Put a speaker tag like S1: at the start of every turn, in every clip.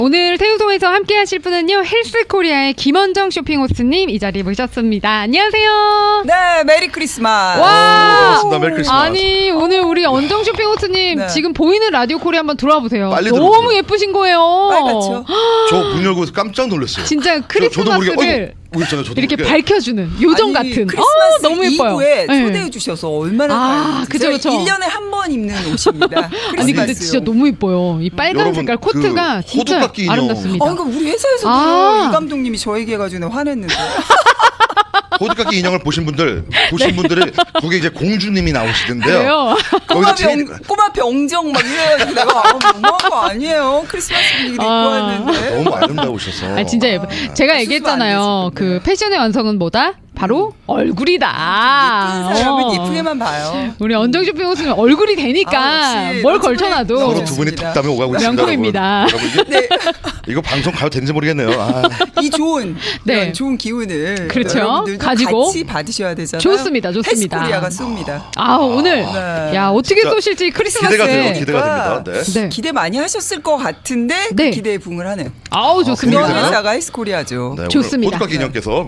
S1: 오늘 태우송에서 함께 하실 분은요, 헬스코리아의 김원정 쇼핑호스님 이 자리에 모셨습니다. 안녕하세요.
S2: 네, 메리 크리스마스.
S1: 와,
S3: 반갑습니다. 메리 크리스마스.
S1: 아니 오늘 우리 원정 쇼핑호스님
S2: 네.
S1: 지금 보이는 라디오 코리아 한번 들어와 보세요.
S3: 빨리
S1: 너무
S3: 들어오세요.
S1: 예쁘신 거예요.
S2: 빨갛죠?
S3: 저 문 열고 깜짝 놀랐어요.
S1: 진짜
S3: 저도 모르게
S1: 크리스마스를
S3: 있잖아요. 저도
S1: 이렇게
S3: 모르게.
S1: 밝혀주는 요정
S2: 아니,
S1: 같은.
S2: 크리스마스
S1: 너무 예뻐요.
S2: 이브에
S1: 네.
S2: 초대해 주셔서 얼마나
S1: 아, 그죠, 그죠.
S2: 1년에 한 번 입는 옷입니다.
S1: 아니 근데 진짜 너무 예뻐요. 이 빨간
S3: 여러분,
S1: 색깔 코트가
S3: 그
S1: 진짜
S3: 호두깎이 인형.
S1: 아름답습니다.
S2: 그러니까 우리 회사에서도
S1: 아.
S2: 이 감독님이 저에게 해가지고 화냈는데.
S3: 호두깎이 인형을 보신 분들이 거기 이제 공주님이 나오시던데요.
S1: 그래요?
S3: 거기서 제일
S2: 꼬마 병정 막 이래가지고 내가 너무한 거 아니에요. 크리스마스 분위기 입고 왔는데.
S3: 너무 아름다우셔서.
S1: 아 진짜 예뻐. 제가 얘기했잖아요.
S2: 안 되지, 근데.
S1: 그 패션의 완성은 뭐다? 바로 얼굴이다.
S2: 예쁜 사람은 예쁘게만 봐요.
S1: 우리 언정 쇼핑 옷은 얼굴이 되니까
S2: 역시
S1: 뭘
S2: 너무
S1: 걸쳐놔도
S3: 서로 두 분이
S2: 좋습니다.
S3: 덕담에 오가고 있습니다.
S1: 명품입니다.
S3: 여러분,
S2: 네,
S3: 이거 방송 가도 되는지 모르겠네요. 아,
S2: 이 좋은
S1: 네.
S2: 이런 좋은 기운을
S1: 그렇죠.
S2: 여러분들도
S1: 가지고
S2: 같이 받으셔야 되잖아요.
S1: 좋습니다, 좋습니다.
S2: 헬스코리아가 쏩니다.
S1: 아 오늘
S2: 네.
S1: 야 어떻게
S3: 진짜
S1: 쏘실지 크리스마스에
S3: 기대가 돼요. 기대가 됩니다. 네.
S1: 네.
S2: 기대 많이 하셨을 것 같은데 그
S1: 네.
S2: 기대에 부응을 하네요.
S1: 아우 좋습니다.
S2: 그런
S3: 그래요?
S2: 회사가 헬스코리아죠.
S3: 네,
S1: 좋습니다.
S3: 호두깎이 인형께서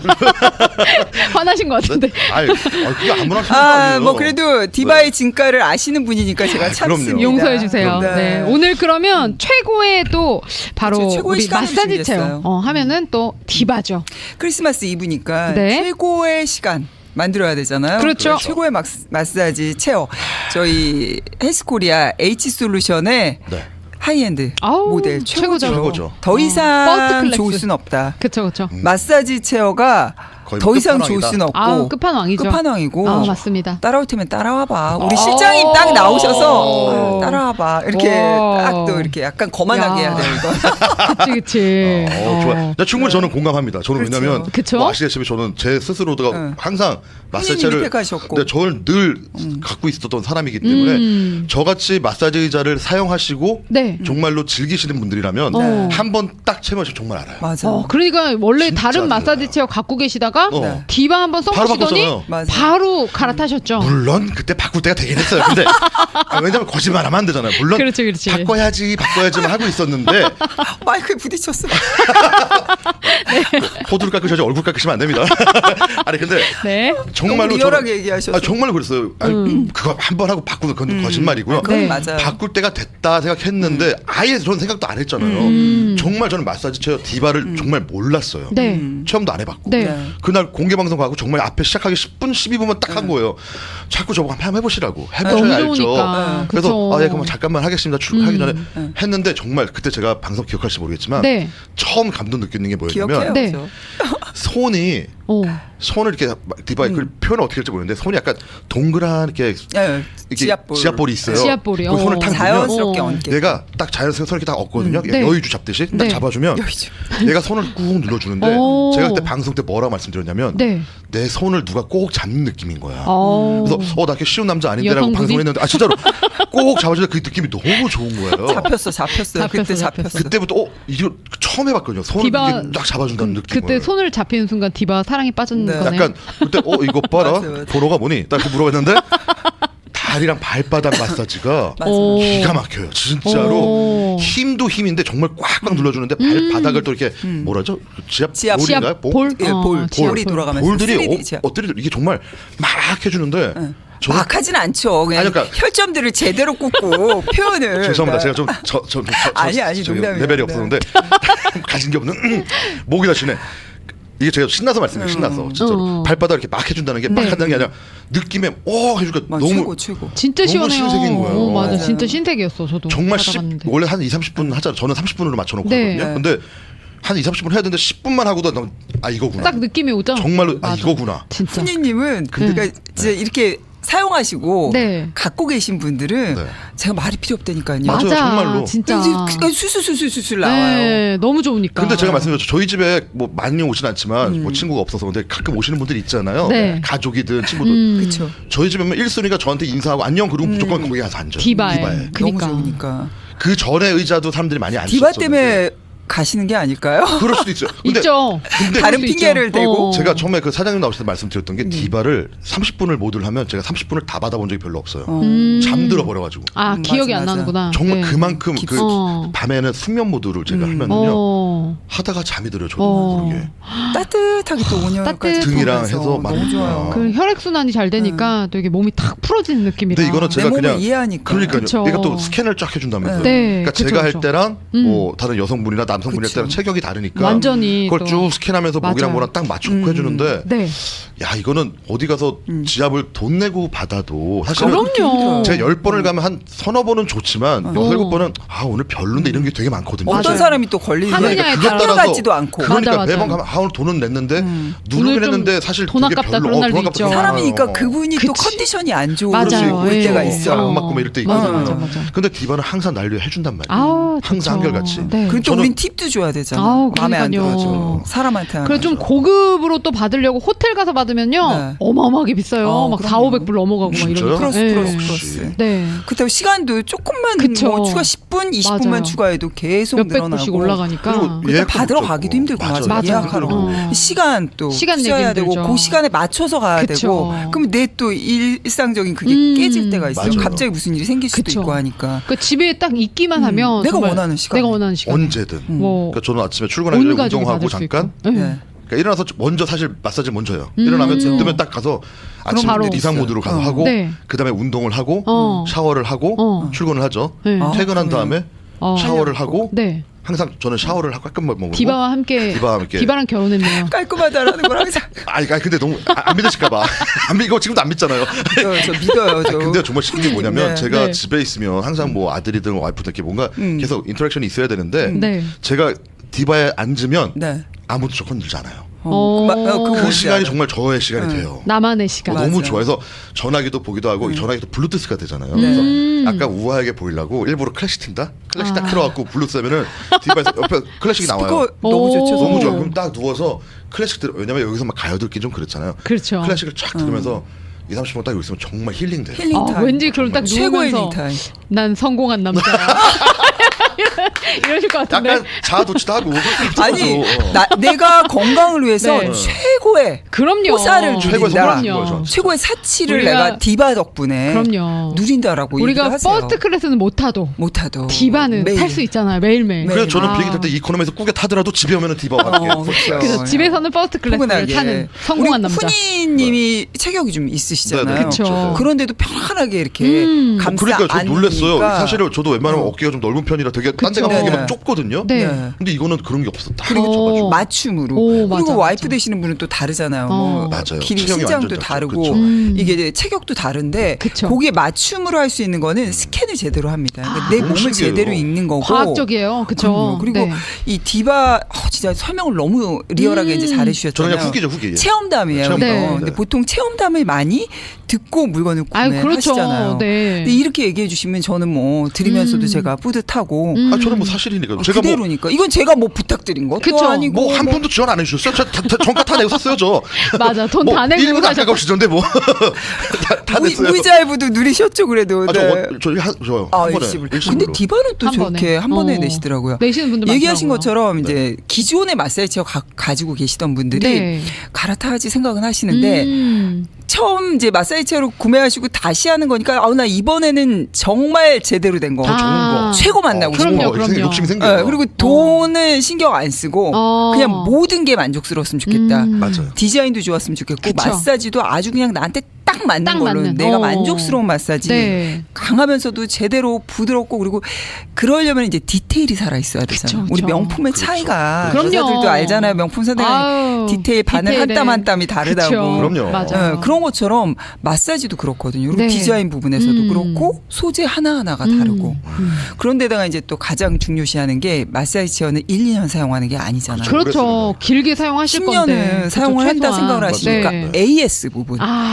S1: 화나신 것 같은데.
S3: 그게 아무나 하시는 거 아니에요.
S2: 뭐 그래도 디바의 진가를 아시는 분이니까 제가 참습니다.
S3: 그럼요.
S1: 용서해 주세요.
S2: 네.
S1: 네. 오늘 그러면 최고의 또 바로
S2: 그렇죠. 최고의
S1: 우리
S2: 시간을
S1: 마사지
S2: 준비했어요.
S1: 체험 하면은 또 디바죠.
S2: 크리스마스 이브니까
S1: 네.
S2: 최고의 시간 만들어야 되잖아요.
S1: 그렇죠.
S2: 최고의 마사지 체어. 저희 헬스코리아 H솔루션의
S3: 네.
S2: 하이엔드
S1: 아우,
S2: 모델
S1: 최고죠.
S3: 최고죠.
S2: 더
S1: 퍼스트
S2: 이상
S1: 클래스.
S2: 좋을 순 없다.
S1: 그쵸 그쵸.
S2: 마사지 체어가
S3: 거의
S2: 더 이상 좋을
S3: 끝판왕이다.
S2: 순 없고
S1: 아우 끝판왕이죠.
S2: 끝판왕이고
S1: 아 맞습니다.
S2: 따라올 테면 따라와봐. 우리 실장님 딱 나오셔서
S1: 오.
S2: 따라와봐. 이렇게
S1: 오.
S2: 딱 또 이렇게 약간 거만하게
S1: 야.
S2: 해야 돼요. 이거.
S1: 그치 그치.
S3: 좋아요. 충분히 저는 공감합니다. 저는
S2: 그렇죠.
S3: 왜냐면
S1: 그쵸?
S3: 뭐 아시다시피 저는 제 스스로도
S2: 응.
S3: 항상 마사지를
S2: 립팩하셨고.
S3: 근데 저를 늘 갖고 있었던 사람이기 때문에 저같이 마사지 의자를 사용하시고
S1: 네.
S3: 정말로 즐기시는 분들이라면
S1: 네.
S3: 한 번 딱 체험하시면 정말 알아요.
S2: 맞아.
S1: 그러니까 원래
S3: 진짜
S1: 다른 마사지
S3: 달라요.
S1: 체어 갖고 계시다가
S3: 어.
S1: 디바 한번
S3: 바로
S1: 써보시더니
S3: 바꿨잖아요.
S2: 맞아.
S1: 바로 갈아타셨죠.
S3: 물론 그때 바꿀 때가 되긴 했어요. 근데 왜냐면 거짓말하면 안 되잖아요. 물론
S1: 그렇지, 그렇지.
S3: 바꿔야지만 하고 있었는데
S2: 마이크에 부딪혔어.
S3: 호두를 깎으셔야지 얼굴 깎으시면 안 됩니다. 아니 근데
S1: 네.
S3: 정말로
S2: 너무 리얼하게 얘기하셔서.
S3: 정말로 그랬어요. 아니, 그거 한 번 하고 바꾸는 건 거짓말이고요.
S2: 그건
S1: 네.
S2: 맞아요.
S3: 바꿀 때가 됐다 생각했는데 아예 저는 생각도 안 했잖아요. 정말 저는 마사지 체어 디바를 정말 몰랐어요.
S1: 네.
S3: 체험도 안 해봤고
S1: 네.
S2: 네.
S3: 그날 공개 방송 가고 정말 앞에 시작하기 10분 12분만 딱 한 거예요. 자꾸 저보고 한번 해보시라고
S1: 너무
S3: 해보셔야 알죠.
S1: 좋으니까.
S3: 그래서
S1: 그쵸.
S3: 아, 예, 그럼 잠깐만 하겠습니다. 출근하기 전에 했는데 정말 그때 제가 방송 기억할지 모르겠지만
S1: 네.
S3: 처음 감동 느끼는 게
S2: 기억해요.
S3: 뭐였냐면
S1: 네.
S2: 그죠?
S3: 손이
S1: 오.
S3: 손을 이렇게 디바 그 표현 어떻게 할지 모르겠는데 손이 약간 동그란 이렇게
S2: 예,
S3: 이렇게 지압볼이 있어요.
S1: 지압볼이요.
S3: 그 손을 탁
S2: 자연스럽게
S1: 어.
S2: 얹게.
S3: 얘가 딱 자연스럽게 손을 이렇게 딱 얹거든요.
S1: 네.
S3: 여의주 잡듯이 딱
S1: 네.
S3: 잡아주면
S2: 여의주.
S3: 얘가 손을 꾹 눌러주는데
S1: 오.
S3: 제가 그때 방송 때 뭐라고 말씀드렸냐면
S1: 네.
S3: 내 손을 누가 꼭 잡는 느낌인 거야.
S1: 어.
S3: 그래서 나 이렇게 쉬운 남자 아닌데라고
S1: 여성분이?
S3: 방송했는데 진짜로 꼭 잡아주는데 그 느낌이 너무 좋은 거예요.
S2: 잡혔어요. 그때 잡혔어.
S3: 그때부터 이거 처음 해봤거든요. 손을
S1: 디바-
S3: 이렇게 딱 잡아준다는 느낌을.
S1: 그때 손을 잡히는 순간 디바 사랑에 빠진
S2: 네.
S1: 거네요.
S3: 약간 그때 이거 봐라
S2: 맞아.
S3: 번호가 뭐니? 딱 이렇게 물어봤는데 다리랑 발바닥 마사지가
S2: 맞아.
S1: 오.
S3: 기가 막혀요. 진짜로
S1: 오.
S3: 힘도 힘인데 정말 꽉꽉 눌러주는데 발바닥을 또 이렇게 뭐라죠? 지압볼인가요?
S1: 볼?
S2: 예, 볼.
S1: 지압
S2: 볼이 돌아가면서
S3: 볼들이
S2: 3D 지압.
S3: 엎드려 이게 정말 막 해주는데 저는
S2: 막 하진 않죠. 그냥
S3: 아니, 그러니까-
S2: 혈점들을 제대로 꽂고 표현을.
S3: 죄송합니다. 제가
S2: 그러니까. 아니,
S3: 저기
S2: 농담이에요.
S3: 레벨이
S2: 네.
S3: 없었는데 가진 게 없는 목이 다시네. 이게 제가 신나서 말씀해요. 신나서 진짜로 발바닥 이렇게 막 해준다는 게 막
S1: 네.
S3: 한다는 게 아니라 느낌에 해주니까
S2: 막
S3: 너무
S2: 최고.
S1: 진짜
S3: 너무
S1: 시원해요.
S3: 신세계인 거예요.
S1: 오, 맞아.
S2: 맞아요.
S1: 진짜 신세계였어. 저도
S3: 정말
S1: 받아봤는데.
S3: 원래 한 2-30분 하잖아요. 저는 30분으로 맞춰놓고
S1: 네.
S3: 하거든요. 근데 한 2-30분 해야 되는데 10분만 하고도 이거구나.
S1: 딱 느낌이 오죠.
S3: 정말로
S1: 맞아.
S3: 이거구나.
S1: 진짜.
S2: 훈이님은 그러니까 이제 이렇게 사용하시고
S1: 네.
S2: 갖고 계신 분들은
S3: 네.
S2: 제가 말이 필요 없다니까요.
S3: 맞아요, 정말로.
S1: 진짜.
S2: 수수수수수술 나와요.
S1: 네, 너무 좋으니까.
S3: 근데 제가 말씀드렸죠. 저희 집에 뭐 많이 오진 않지만 뭐 친구가 없어서 근데 가끔 오시는 분들이 있잖아요.
S1: 네.
S3: 가족이든 친구들.
S2: 그렇죠.
S3: 저희 집에 오면 1순위가 저한테 인사하고 안녕 그리고 무조건 거기 가서 앉아요.
S1: 디바에.
S3: 디바에.
S1: 그니까.
S2: 너무 좋으니까.
S3: 그 전에 의자도 사람들이 많이 앉으셨어요.
S2: 디바 때문에 가시는 게 아닐까요?
S3: 그럴 수도 있어요. 근데
S1: 있죠.
S3: 근데
S2: 다른
S1: 그럴 수
S2: 핑계를
S1: 있죠.
S2: 대고
S3: 제가 처음에 그 사장님 나오실 때 말씀드렸던 게 디바를 30분을 모듈 하면 제가 30분을 다 받아본 적이 별로 없어요. 잠들어 버려가지고.
S1: 아, 기억이
S2: 맞아,
S1: 안
S2: 맞아.
S1: 나는구나.
S3: 정말
S1: 네.
S3: 그만큼 그
S1: 어.
S3: 밤에는 숙면 모드를 제가 하면은요
S1: 어.
S3: 하다가 잠이 들어요. 저도
S1: 어.
S3: 모르게.
S2: 따뜻하게 또 온열까지
S1: 따뜻-
S3: 등이랑
S2: 보면서
S3: 해서 막-
S2: 너무 좋아요.
S1: 그 혈액순환이 잘 되니까 또 이게 몸이 탁 풀어지는 느낌이라.
S3: 근데 이거는
S2: 내
S3: 제가
S2: 몸을
S3: 그냥
S2: 이해하니까.
S3: 그러니까요.
S1: 그쵸.
S3: 내가 또 스캔을 쫙 해준다면서요.
S1: 네,
S3: 그러니까
S1: 그쵸,
S3: 제가
S1: 그쵸.
S3: 할 때랑 뭐 다른 여성분이나 남성분이 할
S2: 그쵸.
S3: 때랑 체격이 다르니까
S1: 완전히
S3: 그걸
S1: 또.
S3: 쭉 스캔하면서 목이랑
S1: 맞아요.
S3: 뭐랑 딱 맞춰놓고 해주는데
S1: 네.
S3: 야 이거는 어디 가서 지압을 돈 내고 받아도 사실은
S1: 그럼요.
S3: 제가 10번을 가면 한 서너 번은 좋지만 6-7번은 아 오늘 별론데 이런 게 되게 많거든요.
S2: 어떤
S1: 맞아요.
S2: 사람이 또 걸리는
S1: 하느냐에
S3: 그것
S1: 따라.
S2: 같지도 않고.
S3: 그러니까
S1: 맞아, 맞아.
S3: 매번 가면 아 오늘 돈은 냈는데 누르긴
S1: 오늘 좀
S3: 했는데 사실
S1: 돈
S3: 되게
S1: 아깝다
S3: 별로
S1: 그런 날도
S3: 돈 아깝다
S1: 있죠.
S3: 그런
S2: 사람이니까
S3: 거예요.
S2: 그분이 또
S1: 그치.
S2: 컨디션이 안 좋을
S1: 맞아요.
S2: 올
S1: 예.
S2: 때가
S3: 안
S2: 있어.
S3: 맞고 뭐 이럴 때
S1: 맞아,
S3: 있거든요.
S1: 맞아, 맞아.
S3: 근데 디바는 항상 난리를 해준단 말이에요.
S1: 아우,
S3: 항상
S1: 좋죠.
S3: 한결같이.
S1: 네.
S2: 그리고 또
S3: 저는-
S2: 우린 팁도 줘야 되잖아.
S1: 아우,
S2: 마음에 안
S1: 그러니까요.
S2: 들어줘. 사람한테 하는
S1: 그래 좀
S2: 거죠.
S1: 고급으로 또 받으려고 호텔 가서 받으면요
S2: 네.
S1: 어마어마하게 비싸요. 막
S2: 그럼요.
S1: 4,500불 넘어가고 막
S3: 진짜요?
S1: 이러니까.
S2: 플러스.
S1: 네.
S2: 그렇다고 시간도 조금만
S1: 그쵸.
S2: 뭐 추가 10분, 20분만
S1: 맞아요.
S2: 추가해도 계속
S1: 몇백
S2: 늘어나고.
S1: 불씩 올라가니까.
S3: 그리고
S2: 그때
S3: 예약도
S2: 받으러
S3: 못
S2: 가기도
S3: 잡고.
S2: 힘들고
S3: 맞아요.
S2: 맞아.
S1: 맞아요.
S2: 예약하러
S1: 어.
S2: 시간 또
S1: 시간 내기
S2: 써야 되고
S1: 힘들죠.
S2: 그 시간에 맞춰서 가야
S1: 그쵸.
S2: 되고 그럼 내 또 일상적인 그게 깨질 때가 있어요.
S3: 맞아요.
S2: 갑자기 무슨 일이 생길 수도
S1: 그쵸.
S2: 있고 하니까
S1: 그 집에 딱 있기만 하면
S2: 내가
S1: 정말
S2: 원하는 시간.
S1: 내가 원하는 시간.
S3: 언제든.
S1: 뭐
S3: 그러니까 저는 아침에 출근하기
S1: 온
S3: 전에
S1: 가족이
S3: 운동하고
S1: 받을 수
S3: 잠깐
S1: 있고. 네.
S2: 네.
S3: 그러니까 일어나서 먼저 사실 마사지 먼저요. 일어나면 뜨면 딱 가서 아침
S1: 바로
S3: 이상 모드로 가서 하고
S1: 네.
S3: 그다음에 운동을 하고
S1: 어.
S3: 샤워를 하고
S1: 어.
S3: 출근을 하죠.
S1: 네.
S3: 퇴근한 다음에
S1: 어.
S3: 샤워를 하고
S1: 네.
S3: 항상 저는 샤워를 하고 깔끔하게 먹고
S1: 디바와 함께
S3: 디바와 함께.
S1: 디바랑 결혼했네요.
S2: 깔끔하다라는 걸 항상
S3: 아니 근데 너무 안 믿으실까봐 안 믿고 지금도 안 믿잖아요.
S2: 저 믿어요. 저.
S3: 근데 정말 신기한 게 뭐냐면
S2: 네.
S3: 제가
S1: 네.
S3: 집에 있으면 항상 뭐 아들이든 와이프든 이렇게 뭔가 계속 인터랙션이 있어야 되는데
S1: 네.
S3: 제가 디바에 앉으면
S2: 네.
S3: 아무도 저 건들지 않아요.
S1: 어.
S3: 그
S2: 뭔지
S3: 시간이
S2: 알아요.
S3: 정말 저의 시간이 돼요.
S1: 나만의 시간.
S2: 맞아.
S3: 너무 좋아해서 전화기도 보기도 하고 전화기도 블루투스가 되잖아요.
S2: 네.
S3: 그래서 약간 우아하게 보이려고 일부러 클래식 튼다? 클래식 딱 틀어갖고 블루투스 하면은 디바에서 옆에 클래식이 나와요.
S2: 그거 너무 좋죠.
S1: 오.
S3: 너무 좋아. 그럼 딱 누워서 클래식 들어. 왜냐면 여기서 막 가요 듣기 좀 그렇잖아요.
S1: 그렇죠.
S3: 클래식을 쫙 들으면서 2-30분 딱 여기 있으면 정말 힐링돼요.
S2: 힐링
S1: 아,
S2: 타임.
S1: 왠지 그럼 딱
S2: 최고의
S1: 누우면서
S2: 힐링 타임.
S1: 난 성공한 남자. 이러실 것 같은데.
S3: 약간 자아도취도 하고
S2: 아니
S3: 어.
S2: 내가 건강을 위해서
S1: 네.
S2: 최고의
S1: 그럼요.
S2: 호사를
S3: 최고의
S2: 누린다.
S3: 선물을 준 거죠.
S2: 최고의 사치를
S1: 우리가-
S2: 내가 디바 덕분에
S1: 그럼요.
S2: 누린다라고 얘기를
S1: 우리가
S2: 하세요.
S1: 퍼스트 클래스는 못 타도
S2: 못하도
S1: 디바는
S2: 매일.
S1: 탈 수 있잖아요. 매일매일.
S3: 그래서 저는
S1: 아.
S3: 비행기 탈 때 이코노미에서 꾸겨 타더라도 집에 오면은 디바와 함께.
S2: 그렇죠.
S1: 그래서 집에서는 퍼스트 클래스를
S2: 포근하게.
S1: 타는 성공한
S2: 우리
S1: 남자.
S2: 훈이님이 체격이 좀 있으시잖아요.
S3: 네,
S1: 그쵸.
S2: 그런데도 편안하게 이렇게 감싸
S3: 그러니까 저 놀랬어요.
S2: 안으니까.
S3: 사실은 저도 웬만하면 어깨가 좀 넓은 편이라 되게 딴 데
S1: 그쵸.
S3: 가면 이게
S2: 네.
S3: 막 좁거든요.
S1: 네.
S2: 네.
S3: 근데 이거는 그런 게 없어. 딱
S1: 그리고
S3: 잡아주고.
S2: 맞춤으로.
S1: 오, 맞아,
S2: 그리고 와이프
S1: 맞아.
S2: 되시는 분은 또 다르잖아요.
S1: 어.
S2: 뭐
S3: 맞아요.
S2: 길이
S3: 체형이
S2: 신장도
S3: 완전
S2: 다르고
S3: 그쵸.
S2: 이게 이제 체격도 다른데
S1: 그쵸.
S2: 거기에 맞춤으로 할 수 있는 거는 스캔을 제대로 합니다. 그러니까 내
S3: 너무
S2: 몸을
S3: 신기해요.
S2: 제대로 읽는 거고.
S1: 과학적이에요. 그렇죠.
S2: 그럼요. 그리고 이 디바 진짜 설명을 너무 리얼하게 이제
S3: 저는
S2: 잘해주셨잖아요.
S3: 그냥 후기죠, 후기.
S2: 체험담이에요.
S3: 체험담.
S2: 이거.
S1: 네.
S2: 근데
S3: 네.
S2: 보통 체험담을 많이 듣고 물건을
S1: 아유, 그렇죠.
S2: 구매하시잖아요.
S1: 네.
S2: 근데 이렇게 얘기해 주시면 저는 뭐 들으면서도 제가 뿌듯하고
S3: 아 저는 뭐 사실이니까. 제가
S2: 그대로니까 이건 제가 뭐 부탁드린 것도
S1: 그쵸.
S2: 아니고
S3: 뭐 한 푼도 지원 안 해주셨어요. 저 정가 다 내고 샀어요 저.
S1: 맞아. 돈 다 내고
S3: 1분
S1: 사셨다.
S3: 아까 없으던데 뭐. 다 냈어요.
S2: 무이자일부도 누리셨죠 그래도.
S3: 아,
S2: 네.
S3: 저요.
S2: 아,
S3: 한 번에
S2: 일시불.
S3: 일시불로.
S2: 근데 디바는 또
S1: 한
S2: 저렇게
S1: 번에.
S2: 한 번에
S1: 어.
S2: 내시더라고요.
S1: 내시는 분들
S2: 얘기하신
S1: 많더라고요.
S2: 것처럼 이제 기존의 마사지 체어 가지고 계시던 분들이
S1: 네.
S2: 갈아타야지 생각은 하시는데
S1: 음.
S2: 처음 이제 마사지 체어로 구매하시고 다시 하는 거니까 나 이번에는 정말 제대로 된 거.
S3: 더 좋은 거.
S2: 최고 만나고
S1: 그럼요,
S2: 싶은 거.
S1: 그럼요.
S3: 욕심이 생겨요.
S2: 네, 그리고 돈을 신경 안 쓰고
S1: 어.
S2: 그냥 모든 게 만족스러웠으면 좋겠다.
S3: 맞아요.
S2: 디자인도 좋았으면 좋겠고
S1: 그쵸.
S2: 마사지도 아주 그냥 나한테 딱 맞는
S1: 딱
S2: 걸로
S1: 맞는.
S2: 내가
S1: 어.
S2: 만족스러운 마사지
S1: 네.
S2: 강하면서도 제대로 부드럽고 그리고 그러려면 이제 디테일이 살아 있어야 되잖아요.
S1: 그쵸,
S2: 우리
S1: 그쵸.
S2: 명품의
S3: 그렇죠.
S2: 차이가
S1: 그럼요.
S2: 여자들도 알잖아요. 명품 사들
S1: 아유,
S2: 디테일 바늘 한
S1: 디테일에.
S2: 땀 한 땀이 다르다고.
S1: 그쵸.
S3: 그럼요.
S1: 맞아.
S2: 그런 것처럼 마사지도 그렇거든요. 그리고
S1: 네.
S2: 디자인 부분에서도
S1: 음.
S2: 그렇고 소재 하나하나가 다르고 그런데다가 이제 또 가장 중요시하는 게 마사지 체어는 1, 2년 사용하는 게 아니잖아요.
S1: 그렇죠. 길게 사용하실 건데.
S2: 10년을
S1: 그쵸,
S2: 사용을 한다
S1: 최소한.
S2: 생각을 하시니까
S1: 네.
S2: AS 부분.
S1: 아,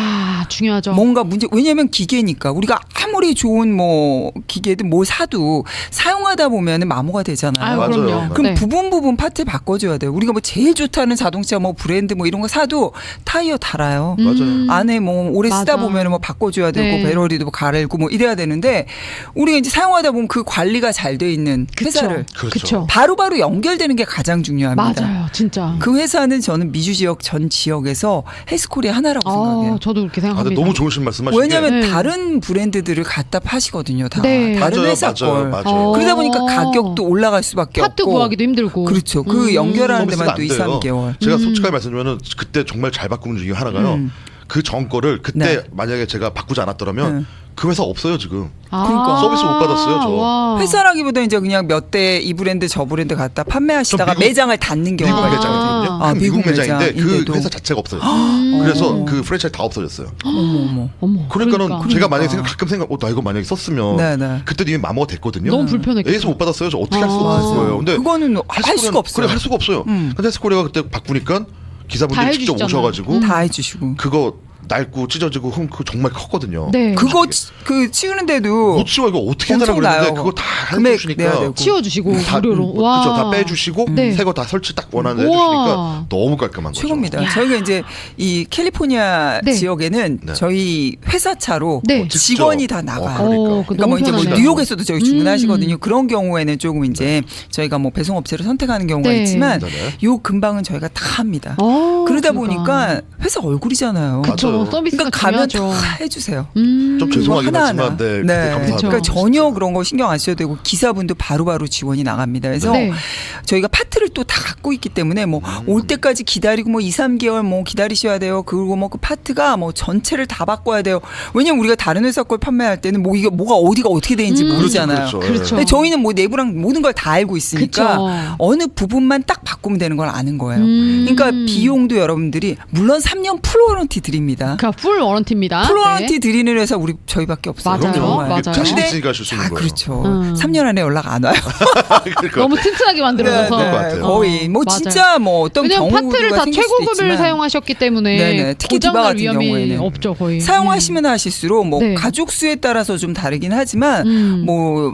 S1: 중요하죠.
S2: 뭔가 문제 왜냐하면 기계니까 우리가 아무리 좋은 뭐 기계든 뭘 사도 사용하다 보면은 마모가 되잖아요.
S1: 아유,
S3: 맞아요.
S1: 그럼요.
S2: 그럼
S1: 네.
S2: 부분 파트 바꿔줘야 돼요. 우리가 뭐 제일 좋다는 자동차 뭐 브랜드 뭐 이런 거 사도 타이어 달아요.
S3: 맞아요.
S2: 안에 뭐 오래 쓰다
S1: 맞아.
S2: 보면은 뭐 바꿔줘야 되고
S1: 네.
S2: 배터리도 뭐 갈고 뭐 이래야 되는데 우리가 이제 사용하다 보면 그 관리가 잘 돼 있는 회사를
S3: 그렇죠.
S1: 그쵸.
S2: 바로바로 연결되는 게 가장 중요합니다.
S1: 맞아요, 진짜.
S2: 그 회사는 저는 미주 지역 전 지역에서 헬스코리아 하나라고 생각해요.
S1: 저도 그렇게
S3: 아,
S1: 생각합니다.
S3: 근데 너무 좋으신 말씀하신
S2: 왜냐하면
S1: 네.
S2: 다른 브랜드들을 갖다 파시거든요. 다
S1: 네.
S2: 다른
S3: 맞아요,
S2: 회사 걸.
S3: 맞아요.
S2: 그러다 보니까 가격도 올라갈 수밖에
S1: 파트
S2: 없고.
S1: 구하기도 힘들고.
S2: 그렇죠. 그 연결하는 데만 또 2,
S3: 서비스가 안 돼요.
S2: 3개월.
S3: 제가 솔직하게 말씀드리면 그때 정말 잘 바꾸는 중에 하나가요. 그 전 거를 그때
S2: 네.
S3: 만약에 제가 바꾸지 않았더라면 그 회사 없어요 지금.
S2: 그러니까.
S3: 서비스 못 받았어요, 저.
S1: 와.
S2: 회사라기보다 이제 그냥 몇 대 이 브랜드 저 브랜드 갖다 판매하시다가
S3: 저 미국-
S2: 매장을 닫는
S3: 미국
S2: 경우가
S3: 매장이거든요.
S2: 있거든요.
S3: 큰 미국 매장인데 그
S2: 매장인데도.
S3: 회사 자체가 없어요. 그래서 그 프랜차이즈 다 없어졌어요.
S2: 어머.
S1: 어머.
S3: 그러니까는
S1: 그러니까.
S3: 제가 만약에 가끔 생각, 나 이거 만약에 썼으면
S2: 네.
S3: 그때 이미 마모가 됐거든요.
S1: 너무 불편했겠다.
S3: A에서 못 받았어요. 저 어떻게 할 수가
S1: 맞아요.
S3: 없을 거예요. 근데
S2: 그거는 할 수가 없어요.
S3: 그래 할 수가 없어요. 근데 헬스코리아가 그때 바꾸니까
S1: 다
S3: 기사분들이 직접
S1: 해주시잖아요.
S3: 오셔가지고
S2: 다 해주시고.
S3: 그거 낡고 찢어지고 그거 정말 컸거든요.
S1: 네.
S2: 그거 그 치우는데도
S3: 못 치워 이거 어떻게 해달라
S2: 엄청
S3: 그랬는데
S2: 나요.
S3: 그거 다
S2: 금액
S3: 해주시니까
S2: 내야 되고.
S1: 치워주시고
S3: 다
S1: 무료로.
S3: 그렇죠. 다 빼주시고
S1: 네.
S3: 새 거 다 설치 딱 원하는 데
S1: 우와.
S3: 해주시니까 너무 깔끔한 거죠.
S2: 최고입니다.
S1: 야.
S2: 저희가 이제 이 캘리포니아
S1: 네.
S2: 지역에는
S3: 네.
S2: 저희 회사 차로
S1: 네.
S2: 직원이 다 나가요.
S3: 그러니까.
S2: 그러니까 뭐 이제 뭐
S1: 편하네요.
S2: 뉴욕에서도 저희 주문하시거든요. 그런 경우에는 조금 이제 저희가 뭐 배송업체를 선택하는 경우가
S1: 네.
S2: 있지만
S3: 네네.
S2: 요 근방은 저희가 다 합니다.
S1: 그러니까.
S2: 그러다 보니까 회사 얼굴이잖아요.
S1: 그쵸.
S3: 맞아요.
S1: 서비스가
S2: 그러니까 가면
S1: 중요하죠.
S2: 다 해주세요.
S3: 좀 죄송하긴
S2: 하나하나.
S3: 하지만 네,
S2: 네.
S3: 감사합니다.
S2: 그러니까 전혀 그런 거 신경 안 써도 되고 기사분도 바로바로 지원이 나갑니다. 그래서
S1: 네.
S2: 저희가 파트를 또 다 갖고 있기 때문에 뭐 올 때까지 기다리고 뭐 2, 3개월 뭐 기다리셔야 돼요. 그리고 뭐 그 파트가 뭐 전체를 다 바꿔야 돼요. 왜냐면 우리가 다른 회사 걸 판매할 때는 뭐 이게 뭐가 어디가 어떻게 되는지 모르잖아요.
S3: 그렇죠.
S1: 그렇죠.
S2: 근데 저희는 뭐 내부랑 모든 걸 다 알고 있으니까
S1: 그쵸.
S2: 어느 부분만 딱 바꾸면 되는 걸 아는 거예요.
S1: 음.
S2: 그러니까 비용도 여러분들이 물론 3년 풀 워런티 드립니다.
S1: 그러니까 풀 워런티입니다.
S2: 풀 워런티
S1: 네.
S2: 드리는 회사 우리 저희밖에 없어요.
S1: 맞아요.
S2: 정말.
S1: 맞아요.
S3: 자신
S2: 근데-
S3: 있으니까 하실 수 있는
S2: 아,
S3: 거예요.
S2: 그렇죠.
S1: 음.
S2: 3년 안에 연락 안 와요.
S3: 그러니까
S1: 너무 튼튼하게 만들어서.
S3: 것 같아요.
S2: 거의 뭐
S1: 맞아요.
S2: 진짜 뭐 어떤
S1: 왜냐면
S2: 경우가
S1: 파트를 다
S2: 생길 수도
S1: 최고급을
S2: 있지만
S1: 사용하셨기 때문에
S2: 네네. 특히 디바
S1: 고장날
S2: 같은
S1: 위험이
S2: 경우에는
S1: 없죠 거의.
S2: 사용하시면 하실수록 뭐
S1: 네.
S2: 가족 수에 따라서 좀 다르긴 하지만
S1: 음.
S2: 뭐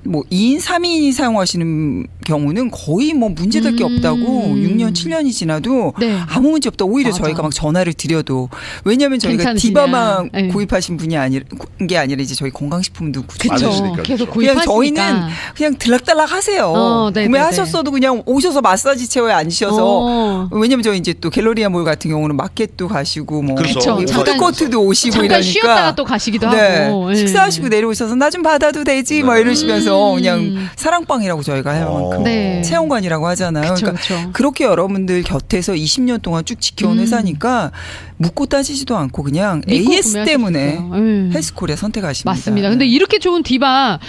S2: 2인, 3인이 사용하시는 경우는 거의 뭐 문제될 게 없다고 6년, 7년이 지나도
S1: 네.
S2: 아무 문제 없다. 오히려
S1: 맞아.
S2: 저희가 막 전화를 드려도 왜냐하면 저희가
S1: 괜찮으시냐.
S2: 디바만
S1: 네.
S2: 구입하신 분이 게 아니라 이제 저희 건강식품도
S1: 그쵸.
S3: 많으시니까,
S1: 계속
S3: 그렇죠.
S2: 그냥
S1: 구입하시니까.
S2: 저희는 그냥 들락달락 하세요.
S1: 네네네.
S2: 구매하셨어도 그냥 오셔서 마사지 체어에 앉으셔서 왜냐면 저 이제 또 갤러리아 몰 같은 경우는 마켓도 가시고 뭐
S3: 그렇죠.
S1: 그쵸. 잠깐-
S2: 푸드코트도 오시고
S1: 잠깐
S2: 이러니까
S1: 쉬었다가 또 가시기도
S2: 네.
S1: 하고. 예.
S2: 식사하시고 내려오셔서 나 좀 받아도 되지 뭐 이러시면서 그냥 사랑방이라고 저희가 해요.
S1: 네.
S2: 체험관이라고 하잖아요.
S1: 그쵸,
S2: 그러니까
S1: 그쵸.
S2: 그렇게 여러분들 곁에서 20년 동안 쭉 지켜온 회사니까 묻고 따지지도 않고 그냥
S1: 믿고
S2: AS
S1: 구매하실
S2: 때문에
S1: 수 있어요. 예.
S2: 헬스코리아 선택하십니다.
S1: 맞습니다. 근데 이렇게 좋은 디바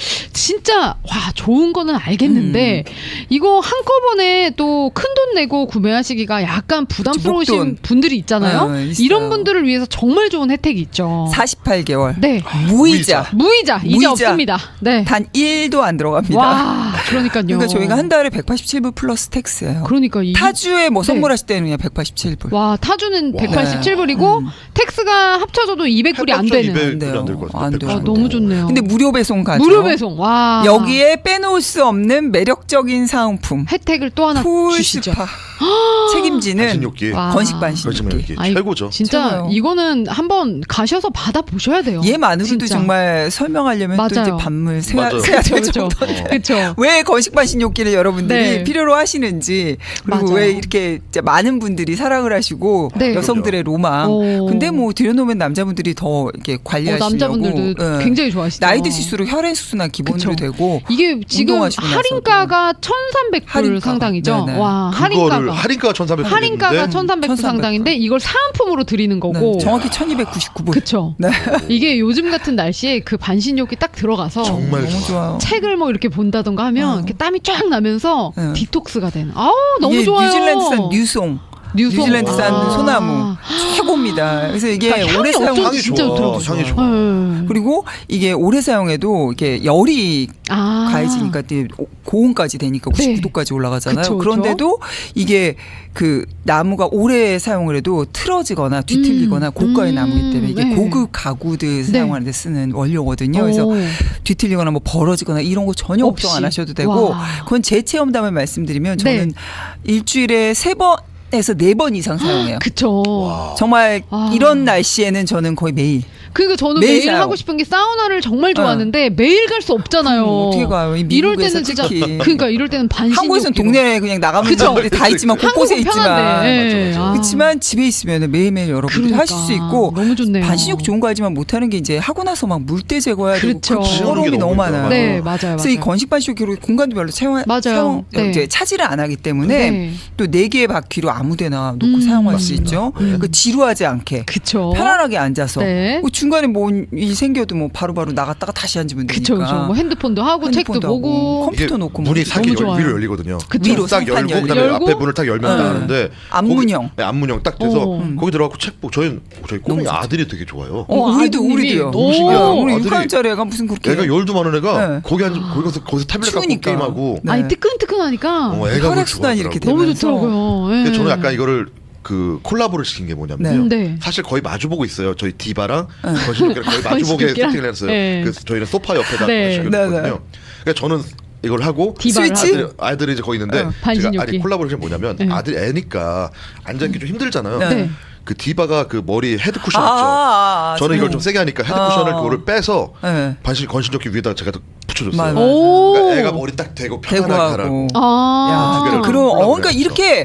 S1: 진짜 와 좋은 거는 알겠는데 이거 한꺼번에 또 큰 돈 내고 구매하시기가 약간 부담스러우신
S2: 목돈.
S1: 분들이 있잖아요.
S2: 있어요.
S1: 이런 분들을 위해서 정말 좋은 혜택이 있죠.
S2: 48개월
S1: 네.
S2: 무이자
S1: 무이자 이제
S2: 무이자.
S1: 없습니다. 네.
S2: 단 1도 안 들어갑니다.
S1: 와 그러니까요.
S2: 그러니까 저희가 한 달에 187불 플러스 텍스예요.
S1: 그러니까
S2: 타주에 뭐
S1: 네.
S2: 선물하실 때는 그냥 187불.
S1: 와 타주는
S3: 와.
S1: 187불이고 텍스가 합쳐져도 200불이 안 되는.
S3: 200불이 안 될 것 같아요.
S2: 안 돼요.
S1: 아, 너무 좋네요.
S2: 근데 무료 배송 가죠.
S1: 무료 배송. 와
S2: 여기에 빼놓을 수 없는 매력적인 사은품.
S1: 혜택을 또 하나 주시죠.
S2: 풀스파 책임지는
S3: 반신욕기.
S1: 와.
S2: 건식
S3: 반신욕기
S2: 반신욕기.
S1: 아이,
S3: 최고죠.
S1: 진짜
S2: 최고요.
S1: 이거는 한번 가셔서 받아 보셔야 돼요.
S2: 얘만으로도
S1: 진짜.
S2: 정말 설명하려면 또
S1: 맞아요.
S2: 이제 반물
S3: 맞아요.
S2: 세야 될
S1: 그쵸,
S2: 정도.
S1: 그렇죠.
S2: 왜 건식 반신욕기를 여러분들이
S1: 네.
S2: 필요로 하시는지 그리고
S1: 맞아요.
S2: 왜 이렇게 진짜 많은 분들이 사랑을 하시고
S1: 네.
S2: 여성들의 로망.
S1: 오.
S2: 근데 뭐 들여놓으면 남자분들이 더 이렇게 관리하시려고
S1: 남자분들도
S2: 예.
S1: 굉장히 좋아하시죠.
S2: 나이 드실수록 혈액 순환 기본으로
S1: 그쵸.
S2: 되고
S1: 이게 지금
S2: 운동하시고 나서도.
S1: 할인가가 1,300불
S2: 할인가가.
S1: 상당이죠.
S2: 네네.
S1: 와,
S3: 그거를
S1: 할인가가
S3: 할인가가 1,300불.
S1: 할인가가 1,300불
S2: 1,300불.
S1: 상당인데 이걸 사은품으로 드리는 거고.
S2: 네, 정확히 1299불.
S1: 그쵸.
S2: 네.
S1: 이게 요즘 같은 날씨에 그 반신욕이 딱 들어가서
S3: 정말
S2: 너무 좋아요.
S1: 책을 뭐 이렇게 본다던가 하면 이렇게 땀이 쫙 나면서
S2: 네.
S1: 디톡스가 되는. 아우 너무
S2: 이게
S1: 좋아요.
S2: 뉴질랜드산 뉴송. 뉴질랜드산
S1: 아.
S2: 소나무 최고입니다. 그래서 이게
S1: 그러니까
S2: 오래
S1: 향이
S2: 사용
S1: 어쩐지 진짜 좋더라고요.
S3: 향이 좋아.
S2: 그리고 이게 오래 사용해도 이게 열이 가해지니까 고온까지 되니까
S1: 네.
S2: 99도까지 올라가잖아요.
S1: 그쵸,
S2: 그런데도 이게 그 나무가 오래 사용을 해도 틀어지거나 뒤틀리거나 고가의 나무이기 때문에 이게
S1: 네.
S2: 고급 가구들 사용하는 데 쓰는 원료거든요. 그래서
S1: 오.
S2: 뒤틀리거나 뭐 벌어지거나 이런 거 전혀
S1: 없이.
S2: 걱정 안 하셔도 되고
S1: 와.
S2: 그건 제 체험담을 말씀드리면 저는
S1: 네.
S2: 일주일에 3번에서 4번 이상 사용해요.
S1: 그쵸.
S3: 와.
S2: 정말
S1: 아.
S2: 이런 날씨에는 저는 거의 매일.
S1: 그러니까 저는
S2: 매일
S1: 매일
S2: 사용.
S1: 하고 싶은 게 사우나를 정말 좋아하는데 매일 갈 수 없잖아요.
S2: 어떻게 가요? 이
S1: 이럴
S2: 미국에서
S1: 때는 진짜
S2: 특히.
S1: 그러니까 이럴 때는 반신욕기로.
S2: 한국에서는 동네에 그냥 나가면
S1: 그쵸.
S2: 사람들이 다 있지만 곳곳에
S1: 한국은
S2: 있지만
S1: 편한데.
S3: 맞아, 맞아.
S2: 그렇지만 집에 있으면 매일매일 여러분들이
S1: 그러니까.
S2: 하실 수 있고
S1: 너무 좋네요.
S2: 반신욕 좋은 거 하지만 못하는 게 이제 하고 나서 막 물때 제거해야 되고
S1: 그렇죠.
S2: 그 어려움이 너무 많아요.
S1: 네, 맞아요.
S2: 그래서
S1: 맞아요.
S2: 이 건식 반신욕기로 공간도 별로
S1: 맞아요. 네.
S2: 이제 차지를 안 하기 때문에
S1: 네.
S2: 또 4개의 바퀴로 아무데나 놓고 사용할 수 있죠. 그 지루하지 않게
S1: 그쵸.
S2: 편안하게 앉아서
S1: 네.
S2: 뭐 중간에 뭐 이 생겨도 뭐 바로바로 나갔다가 다시 앉으면 되니까.
S1: 그쵸, 그쵸. 뭐 핸드폰도 하고 책도
S2: 핸드폰도 하고,
S1: 보고.
S2: 컴퓨터 놓고
S3: 문이
S2: 뭐
S3: 싹
S1: 너무 좋아요.
S3: 위로 열리거든요.
S1: 그쵸.
S2: 위로
S3: 딱
S2: 상판
S3: 열고 그다음에
S1: 열고.
S3: 앞에 문을 딱 열면 딱
S2: 네.
S3: 하는데
S2: 앞문형.
S3: 거기, 네, 앞문형 딱 돼서 거기 들어가고 책 보고 저희 꼬맹이
S2: 너무
S3: 아들이 되게 좋아요.
S2: 우리도
S1: 아드님이.
S2: 우리도요.
S1: 오.
S2: 우리
S3: 아들이-
S2: 6학년짜리 애가 무슨 그렇게
S3: 애가 열도 많은 애가
S2: 네.
S3: 거기 거기서 타블렛 갖고
S2: 추우니까.
S3: 게임하고
S2: 네.
S1: 아니 뜨끈뜨끈하니까
S3: 애가 그걸
S2: 혈액순환이 이렇게
S3: 좋아하더라고.
S1: 너무
S2: 되면서.
S1: 좋더라고요. 예.
S3: 근데 저는 약간 이거를 그 콜라보를 시킨 게 뭐냐면요.
S1: 네.
S3: 사실 거의 마주보고 있어요. 저희 디바랑 거실욕기랑 거의 마주보게
S1: 거실욕기랑?
S3: 세팅을 했어요.
S1: 네.
S3: 그래서 저희는 소파 옆에다
S1: 네.
S3: 시켰거든요.
S2: 네, 네.
S3: 그러니까 저는 이걸 하고
S1: 디바를
S2: 스위치?
S3: 아들이 이제 거기 있는데 제가
S1: 반신욕기.
S3: 아니 콜라보레이션 뭐냐면
S1: 네.
S3: 아들 애니까 앉아있기 좀 힘들잖아요.
S2: 네.
S1: 네.
S3: 그 디바가 그 머리 헤드 쿠션 있죠. 저는 이걸 좀 세게 하니까 헤드 쿠션을 그거를 빼서
S2: 네.
S3: 건신욕기 위에다 제가 붙여줬어요.
S2: 맞아.
S1: 오.
S3: 그러니까 애가 머리 딱 대고 편안하게
S2: 대구하고.
S3: 하라고.
S1: 아.
S2: 야, 그럼 그러니까 이렇게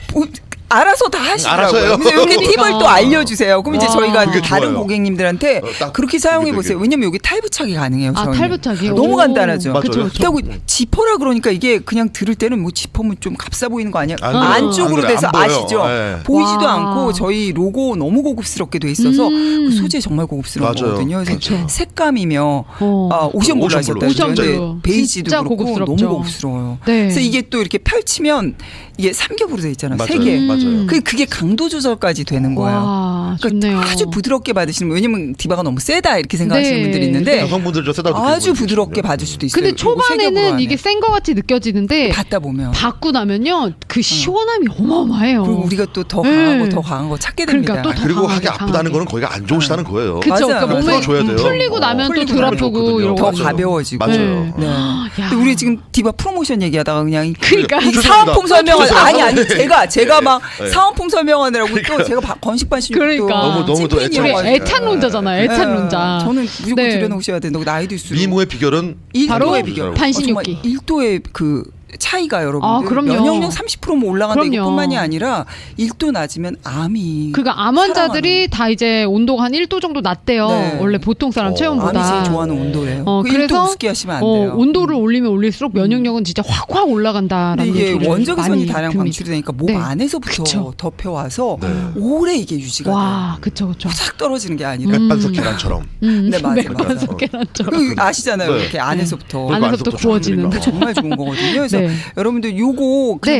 S2: 알아서 다 하시더라고요.
S3: 알아서 해요.
S2: 근데 이렇게
S1: 그러니까.
S2: 팁을 또 알려주세요. 그럼 이제
S1: 와.
S2: 저희가
S3: 그게
S2: 다른
S3: 좋아요.
S2: 고객님들한테
S3: 딱
S2: 그렇게 사용해
S3: 그게
S2: 보세요.
S3: 되게.
S2: 왜냐면 여기 탈부착이 가능해요.
S1: 아,
S2: 저희는.
S1: 탈부착이요?
S2: 너무
S1: 오.
S2: 간단하죠.
S3: 맞아요.
S1: 그쵸, 그쵸.
S2: 그리고 지퍼라 그러니까 이게 그냥 들을 때는 뭐 지퍼면 좀 값싸 보이는 거 아니야?
S3: 안 그래요.
S2: 안쪽으로
S3: 안 그래요.
S2: 돼서
S3: 안 보여요.
S2: 아시죠?
S3: 네.
S2: 보이지도
S1: 와.
S2: 않고 저희 로고 너무 고급스럽게 돼 있어서 그 소재 정말 고급스러운
S3: 맞아요.
S2: 거거든요. 그래서
S1: 그쵸.
S2: 색감이며
S1: 어.
S2: 오션 블루
S3: 오션
S2: 하셨다.
S3: 블루.
S1: 오션
S2: 근데
S1: 블루.
S2: 베이지도
S1: 진짜
S2: 그렇고
S1: 고급스럽죠.
S2: 너무 고급스러워요.
S1: 네.
S2: 그래서 이게 또 이렇게 펼치면 이게 삼겹으로 돼 있잖아요.
S3: 맞아요.
S2: 세 개.
S3: 맞아요.
S2: 그게 강도 조절까지 되는 거예요.
S1: 와,
S2: 그러니까
S1: 좋네요.
S2: 아주 부드럽게 받으시는 분, 왜냐면 디바가 너무 세다 이렇게 생각하시는
S1: 네.
S2: 분들이 있는데
S3: 여성분들 저 세다
S2: 아주 부드럽게 받을 수도 있어요.
S1: 근데
S2: 요거 세겹으로
S1: 초반에는
S2: 하면.
S1: 이게 센 거 같이 느껴지는데
S2: 받다 보면
S1: 받고 나면요 그 시원함이 어마어마해요.
S2: 그리고 우리가 또 더
S1: 네.
S2: 강하고 더 강한 거 찾게 됩니다.
S1: 그러니까 또 더
S3: 그리고
S1: 강하게,
S3: 하기 아프다는
S1: 강하게.
S3: 거는 거기가 안 좋으시다는 거예요.
S1: 그쵸.
S2: 맞아요.
S1: 그러니까 몸에
S3: 풀어줘야 돼요.
S1: 풀리고 나면 또
S2: 풀리고
S1: 덜
S2: 나면
S1: 아프고
S3: 좋거든요.
S1: 이런
S2: 더
S1: 거.
S3: 맞아요.
S2: 가벼워지고.
S3: 맞아요.
S2: 네.
S1: 야.
S2: 근데 우리 지금 디바 프로모션 얘기하다가 그냥
S1: 그러니까
S2: 이
S3: 죄송합니다.
S2: 사은품 설명을 아니
S3: 죄송합니다.
S2: 제가 막
S3: 네.
S2: 사은품 설명하느라고 또 제가 건식반신욕도
S1: 그러니까.
S3: 너무 또
S1: 우리
S3: 애착-
S1: 애탄론자잖아요. 애탄론자.
S2: 저는 무조건
S1: 네.
S2: 들여놓으셔야 돼. 너 나이도 있을수록
S3: 미모의 비결은
S1: 바로
S2: 1도의 비결.
S1: 반신욕기.
S2: 1도의 그 차이가 여러분들
S1: 아, 그럼요.
S2: 면역력 30%뭐 올라간다
S1: 그럼요.
S2: 이것뿐만이 아니라 1도 낮으면 암이
S1: 그러니까 암 환자들이 다 이제 온도가 한 1도 정도 낮대요.
S2: 네.
S1: 원래 보통 사람
S2: 암이
S1: 체온보다.
S2: 제일 좋아하는 온도예요. 그
S1: 그래서
S2: 1도 우습게 하시면 안 돼요.
S1: 온도를 올리면 올릴수록 면역력은 진짜 확확 올라간다라는
S2: 근데 이게
S1: 얘기를
S2: 원적외선이
S1: 많이
S2: 다량
S1: 듭니다.
S2: 방출이 되니까 몸
S1: 네.
S2: 안에서부터
S1: 그쵸.
S2: 덮여와서
S3: 네.
S2: 오래 이게 유지가 돼요.
S1: 와, 그쵸, 그쵸.
S2: 싹 떨어지는 게 아니라.
S3: 맥반석 계란처럼.
S2: 네, 맞아요,
S1: 맥반석
S2: 맞아요.
S1: 계란처럼.
S2: 그 아시잖아요.
S3: 네.
S2: 이렇게 안에서부터.
S3: 그리고
S1: 안에서부터 구워지는.
S3: 그러니까.
S2: 정말 좋은 거거든요. 그래서
S1: 네.
S2: 여러분들 요거 그냥
S1: 네.